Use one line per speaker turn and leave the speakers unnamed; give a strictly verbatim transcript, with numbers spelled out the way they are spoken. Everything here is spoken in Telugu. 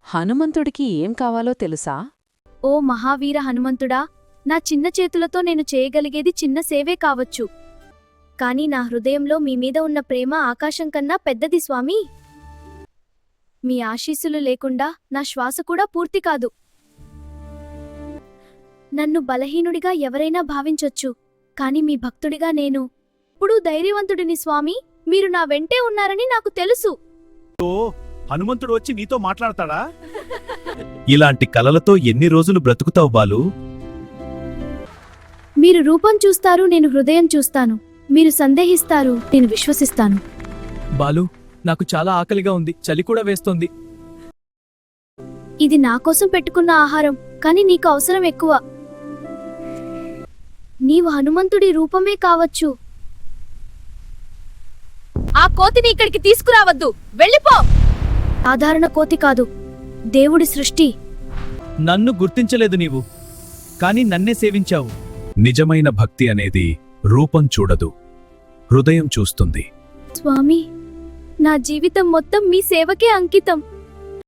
హనుమంతుడికి ఏం కావాలో తెలుసా?
ఓ మహావీర హనుమంతుడా, నా చిన్న చేతులతో నేను చేయగలిగేది చిన్న సేవే కావచ్చు. కాని నా హృదయంలో మీమీద ఉన్న ప్రేమ ఆకాశం కన్నా పెద్దది స్వామీ. మీ ఆశీస్సులు లేకుండా నా శ్వాస కూడా పూర్తి కాదు. నన్ను బలహీనుడిగా ఎవరైనా భావించొచ్చు, కాని మీ భక్తుడిగా నేను ఎప్పుడూ ధైర్యవంతుడిని స్వామీ. మీరు నా వెంటే ఉన్నారని నాకు తెలుసు.
హనుమంతుడు వచ్చి నీతో మాట్లాడతాడా? ఇలాంటి కలలతో ఎన్ని రోజులు బ్రతుకుతావు బాలు?
మీరు రూపం చూస్తారు, నేను హృదయం చూస్తాను. మీరు సందేహిస్తారు, నేను విశ్వసిస్తాను.
బాలు, నాకు చాలా ఆకలిగా ఉంది, చలి కూడా వేస్తోంది.
ఇది నాకోసం పెట్టుకున్న ఆహారం, కాని నీకు అవసరం ఎక్కువ. నీవు హనుమంతుడి రూపమే కావచ్చు. ఆ కోతిని ఇక్కడికి తీసుకురావద్దు, వెళ్ళిపో. సాధారణ కోతి కాదు, దేవుడి సృష్టి.
నన్ను గుర్తించలేదు నీవు, కాని నన్నే సేవించావు.
నిజమైన భక్తి అనేది రూపం చూడదు, హృదయం చూస్తుంది.
స్వామి, నా జీవితం మొత్తం మీ సేవకే అంకితం.